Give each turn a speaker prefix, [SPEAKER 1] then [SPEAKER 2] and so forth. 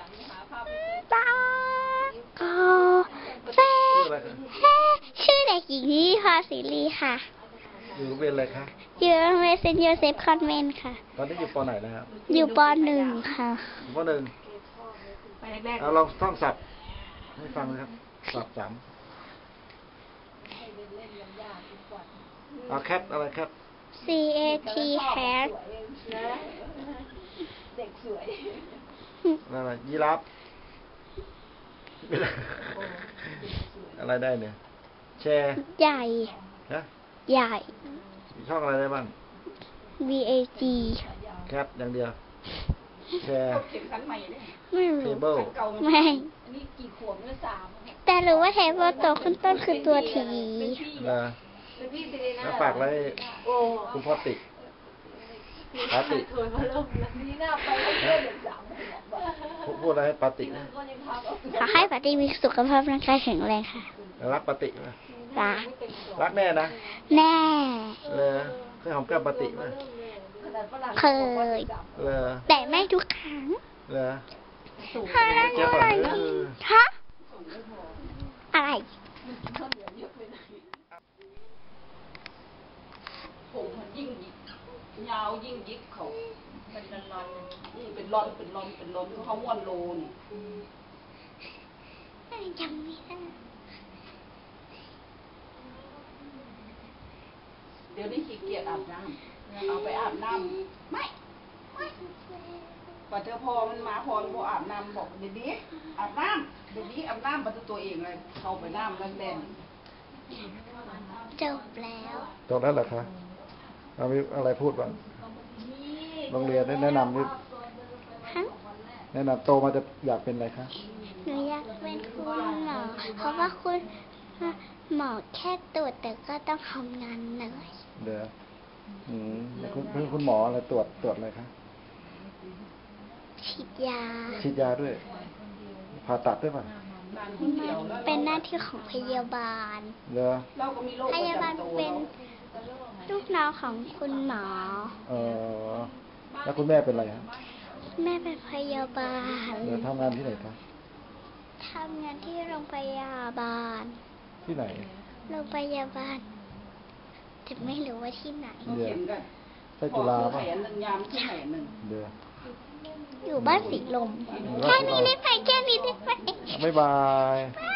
[SPEAKER 1] ตาโกเฟชื่อเด็กหญิงนิพาศิริค่ะ
[SPEAKER 2] อยู่โรงเรียนอะไรคะ
[SPEAKER 1] อยู่โรงเรียนเซนต์โยเซฟคอนเวนต์ค่ะ
[SPEAKER 2] ตอนนี้อยู่ป.ไหนนะครับ
[SPEAKER 1] อยู่ป.1 ค่ะ
[SPEAKER 2] ป.1เอาลองท่องศัพท์ให้ฟังเลยครับศัพท์3เอาแคทอะไรแคท
[SPEAKER 1] CAT hat
[SPEAKER 3] เด็กสวย
[SPEAKER 2] อะไรยีราฟอะไรได้เนี่ยแชร์
[SPEAKER 1] ใหญ่
[SPEAKER 2] ฮะ
[SPEAKER 1] ใหญ่
[SPEAKER 2] ช่องอะไรได้บ้าง
[SPEAKER 1] VAG
[SPEAKER 2] แคทอย่างเดียวแชร์
[SPEAKER 1] ไม่รู้
[SPEAKER 2] เทเบิล
[SPEAKER 1] ไม่แต่รู้ว่าเทเบิลตัวขึ้นต้นคือตัวที
[SPEAKER 2] แล้วฝากไว้คุณพ่อติปาติพูดอะไรให้ปาติ
[SPEAKER 1] ขอให้ปาติมีสุขภาพร่างกายแข็งแรงค่ะ
[SPEAKER 2] รักปาติไหมรักแน่นะ
[SPEAKER 1] แน่
[SPEAKER 2] เคยหอมแก้มปาติไหม
[SPEAKER 1] เคยแต่ไม่ทุกครั้งฮะอะไรฮะอะไร
[SPEAKER 3] ผมมันยิ่งยาวยิ่งยิกเขาเป็นรอนนี่เป็นรอนเขาม้วนโลนี่
[SPEAKER 1] จำไม่ได้
[SPEAKER 3] เดี๋ยวนี้ขี้เกียจอาบน้ำเอาไปอาบน้ำไม่ปัจจุบันมันมาพรบอกอาบน้ำบอกเดี๋ยวนี้อาบน้ำประตูตัวเองเลยเข้าไปน้ำแดง
[SPEAKER 1] จบแล้ว
[SPEAKER 2] จบแล้วเหรอคะเอาอะไรพูดบ้างโรงเรียนแนะนำนี่แนะนำโตมาจะอยากเป็นอะไรคะ
[SPEAKER 1] หนูอยากเป็นคุณหมอเพราะว่าคุณหมอแค่ตรวจแต่ก็ต้องทำงานเหนื่อย
[SPEAKER 2] เดี๋ยวคุณหมออะไรตรวจอะไรคะ
[SPEAKER 1] ฉีดย
[SPEAKER 2] าด้วยผ่าตัดด้วยป่ะ
[SPEAKER 1] เป็นหน้าที่ของพยาบาลพยาบาลเป็นลูกน้องของคุณหมอ
[SPEAKER 2] แล้วคุณแม่เป็นอะไรครับ
[SPEAKER 1] แม่เป็นพยาบาล
[SPEAKER 2] ทำงานที่ไหนครับ
[SPEAKER 1] ทำงานที่โรงพยาบาล
[SPEAKER 2] ที่ไหน
[SPEAKER 1] โรงพยาบาลแต่ไม่รู้ว่าที่ไหน
[SPEAKER 2] ใช่จุฬาป่ะ
[SPEAKER 1] อยู่บ้านสีลมแค่นี้ได้ไหมบ๊ายบาย